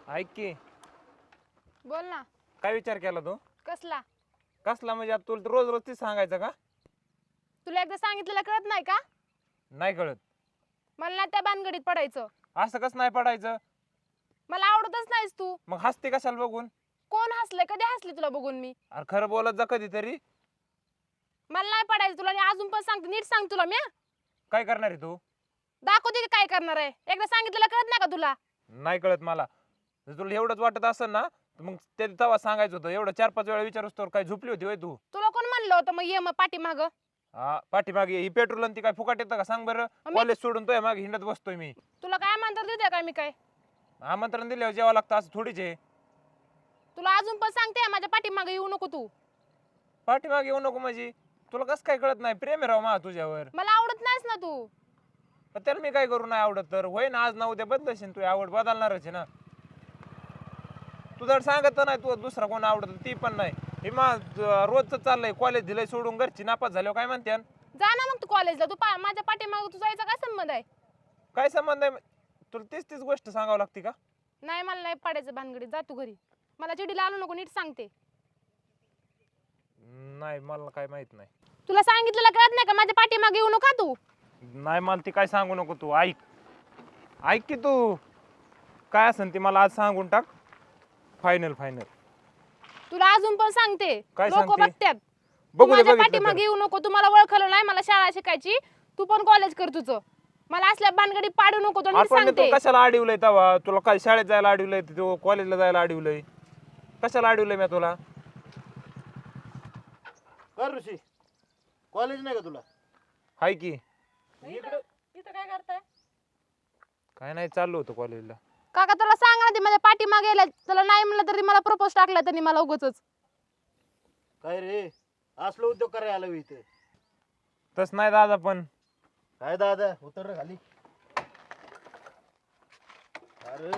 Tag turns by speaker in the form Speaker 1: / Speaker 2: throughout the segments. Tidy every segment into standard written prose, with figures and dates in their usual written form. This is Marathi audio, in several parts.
Speaker 1: ऐक की
Speaker 2: बोल ना.
Speaker 1: काय विचार केला तू?
Speaker 2: कसला?
Speaker 1: कसला म्हणजे आता तुला रोज रोज तीच सांगायचं का?
Speaker 2: तुला एकदा सांगितलेलं कळत नाही का?
Speaker 1: नाही कळत.
Speaker 2: मला ना त्या भानगडीत पडायचं.
Speaker 1: असं कसं नाही पडायचं?
Speaker 2: मला आवडतच नाहीस तू.
Speaker 1: मग हसते कशाला बघून?
Speaker 2: कोण हसले? कधी हसले तुला बघून मी?
Speaker 1: अरे खरं बोलत जा कधीतरी.
Speaker 2: मला नाही पडायचं तुला. आणि अजून पण सांगते, नीट सांग तुला मी.
Speaker 1: काय करणार आहे तू?
Speaker 2: दाखवते की काय करणार आहे. एकदा सांगितलेलं कळत नाही का तुला?
Speaker 1: नाही कळत मला. जर तुला एवढंच वाटत असेल ना तर मग ते तेव्हा सांगायचं होतं. एवढं 4-5 वेळा विचारूस तर काय झोपली होती होय तू?
Speaker 2: तुला कोण म्हणलं होतं मग ये मग पाठीमाग?
Speaker 1: हा पाठीमागे ही पेट्रोल आणि ती काय फुकाट येतं का सांग बरं? कॉलेज सोडून तो मागे हिंडत बसतोय मी.
Speaker 2: तुला काय म्हणतात देते काय मी काय?
Speaker 1: आमंत्रण दिल्यावर जेवावं लागतं असं थोडीच आहे.
Speaker 2: तुला अजून पण सांगते माझ्या पाठीमाग येऊ नको तू.
Speaker 1: पाठीमागे येऊ नको म्हणजे तुला कसं काय कळत नाही? प्रेम आहे राव मा तुझ्यावर.
Speaker 2: मला आवडत नाहीस ना तू.
Speaker 1: पण त्याला मी काय करू नाही आवडत तर होय ना आज ना उद्या बदलशील तू आवड बदलणारच आहे ना. तू जर सांगत तर नाही तू दुसरा कोण आवडत ती पण नाही. हे रोजचं चाललंय कॉलेज दिलंय सोडून घरची नापास झाल्यावर काय म्हणते?
Speaker 2: जा ना मग तू कॉलेजला. तू माझ्या पाठीमाग तू जायचा काय संबंध आहे?
Speaker 1: काय संबंध आहे? तुला तीच गोष्ट सांगावं लागते का?
Speaker 2: नाही मला नाही पडायचं भानगडीत. जा तू घरी. मला चिडीला आणू नको, नीट सांगते.
Speaker 1: नाही मला काय माहित नाही.
Speaker 2: तुला सांगितलेलं कळत नाही का? माझ्या पाठीमागे येऊ नका तू.
Speaker 1: नाही मला ती काय सांगू नको तू. ऐक की तू काय असेल ती मला आज सांगून टाक. फायनल.
Speaker 2: तुला अजून पण सांगते.
Speaker 1: काय
Speaker 2: लोक
Speaker 1: सांगते?
Speaker 2: बघतात.
Speaker 1: बघू दे
Speaker 2: माझ्या
Speaker 1: बघितलं
Speaker 2: पाठीमागे
Speaker 1: तर.
Speaker 2: येऊ नको. तुम्हाला ओळखलं नाही. मला शाळा शिकायची. तू पण कॉलेज कर तुझं. मला असल्या भानगडी पाडू नको. तो नीट
Speaker 1: आपण
Speaker 2: सांगते.
Speaker 1: तू कशाला अडवलंय तेव्हा? तुला काय शाळेत जायला अडवलंय? तू कॉलेजला जायला अडवलंय? कशाला अडवलंय मी तुला?
Speaker 3: कर ऋषी, कॉलेज नाही का तुला?
Speaker 1: हाय की.
Speaker 2: इथं काय करताय?
Speaker 1: काय नाही चाललो होतो कॉलेजला.
Speaker 2: काका तुला सांग ना, ते माझ्या पाठीमागे गेल्या. तुला नाही म्हणलं तरी मला प्रपोज टाकला त्यांनी मला उगाचच.
Speaker 3: काय रे, असलो उद्योग करायला आलो इथे?
Speaker 1: तस नाही दादा पण.
Speaker 3: काय दादा, उतर रे खाली. अरे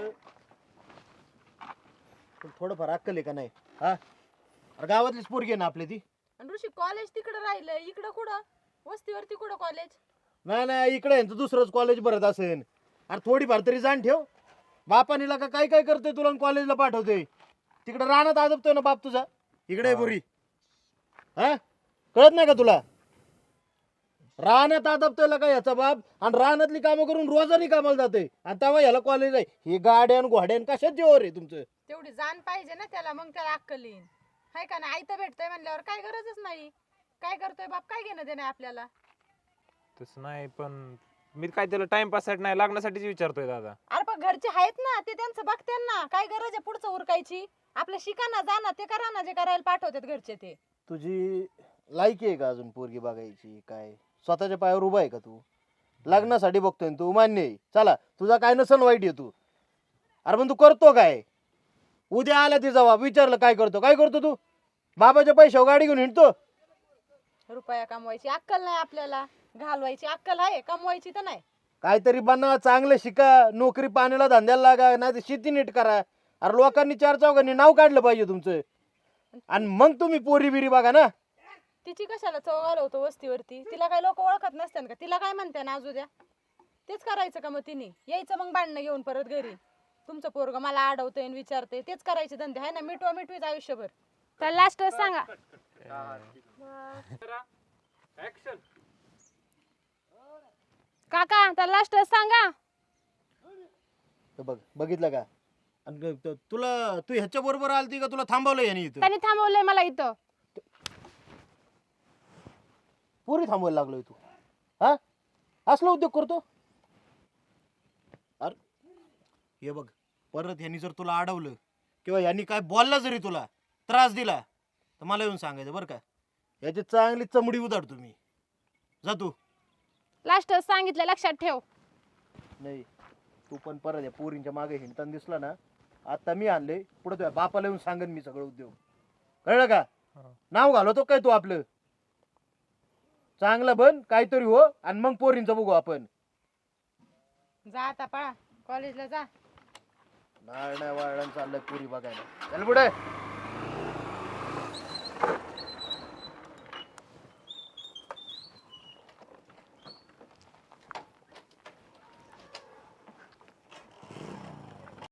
Speaker 3: तुला थोडंफार अक्कल आहे का नाही? हा, अरे गावातलीच पोरगी आहे ना आपली ती.
Speaker 4: आणि ऋषी कॉलेज तिकडे राहिलं, इकडं कुठं वस्तीवरती कुठं कॉलेज?
Speaker 3: नाही इकडे यांचं दुसरंच कॉलेज भरत असेल. अरे थोडीफार तरी जाण ठेव. बापानीला का काय काय करतोय तुला कॉलेजला पाठवतोय? तिकडे रानात आदबतोय ना बाप तुझा. इकडे आहे पोरी. हा, कळत नाही का तुला? रानात आदबतोय का याचा बाप? आणि रानातली कामं करून रोजानी कामाला जाते. आणि तेव्हा याला कॉलेज आहे. ही गाड्यान घोड्यान कशात जेवर आहे तुमचं?
Speaker 4: तेवढी जाण पाहिजे ना त्याला, मग त्याला अक्कल येईन. हाय का नाही? आयतं भेटतंय म्हणल्यावर काय गरजच नाही. काय करतोय बाप, काय घेणं देणं आपल्याला?
Speaker 1: तसं नाही पण मी काय त्याला टाइमपास साठी नाही लागण्यासाठीच विचारतोय दादा.
Speaker 4: अरे पण घरचे आहेत ना, ते त्यांचं बघते ना. काय गरज आहे पुढचं उरकायची? आपलं शिका ना, जा ना, ते करा ना जे करायला पाठवतात घरचे ते.
Speaker 3: तुझी लायकी आहे का अजून पोरगी बघायची? काय स्वतःच्या पायावर उभा आहे का तू? लग्नासाठी बघतोय ना तू, मान्य आहे. चला, तुझा काय नसन वाईट आहे तू. अरे पण तू करतो काय? उद्या आला ते जवाब विचारलं काय करतो तू? बाबाच्या पैशावर गाडी घेऊन हिंडतो.
Speaker 4: रुपया कमवायची अक्कल नाही आपल्याला. घालवायची अक्कल आहे, कमवायची तर नाही.
Speaker 3: काहीतरी बनवा, चांगलं शिका, नोकरी पाण्याला धंद्याला लागा, नाही तर शेती नीट करा. अरे लोकांनी 4 चौघांनी नाव काढलं पाहिजे तुमचं. आणि मग तुम्ही पोरी बिरी बघा ना.
Speaker 4: तिची कशाला चव घालवतो वस्तीवरती? तिला काय लोक ओळखत नसतात का? तिला काय म्हणते ना अजून द्या? तेच करायचं का मग तिने? यायचं मग भांडणं घेऊन परत घरी. तुमचं पोरग मला अडवतंय आणि विचारतंय. तेच करायचे धंदे आहे ना, मिटवीच आयुष्यभर.
Speaker 2: तर लास्ट सांगा. काका तर लास्ट सांगा.
Speaker 3: तर बघितलं का? आणि तुला तू ह्याच्या बरोबर आलती का तुला थांबवलं याने इथं?
Speaker 2: त्यांनी थांबवलंय मला इथं.
Speaker 3: पुरी थांबवायला लागलोय तू? हा, असला उद्योग करतो? अरे हे बघ, परत यांनी जर तुला अडवलं किंवा यांनी काय बोलला जरी तुला त्रास दिला तर मला येऊन सांगायचं बरं का. याची चांगली चमडी उधाड तुम्ही. जा तू.
Speaker 2: लास्ट सांगितलं, लक्षात ठेव.
Speaker 3: नाही, तू पण परत या पोरींच्या मागे हिंडताना दिसला ना, आता मी आणले पुढे तुझ्या बापाला येऊन सांगन मी सगळं उद्योग. कळलं का? नाव घालवतो काय तू आपलं? चांगलं बन काहीतरी हो, आणि मग पोरींचं बघू आपण.
Speaker 4: जा आता पळा, कॉलेजला जा.
Speaker 3: नाळ नाही वाळण चाललंय पुरी बघायला. चल पुढे.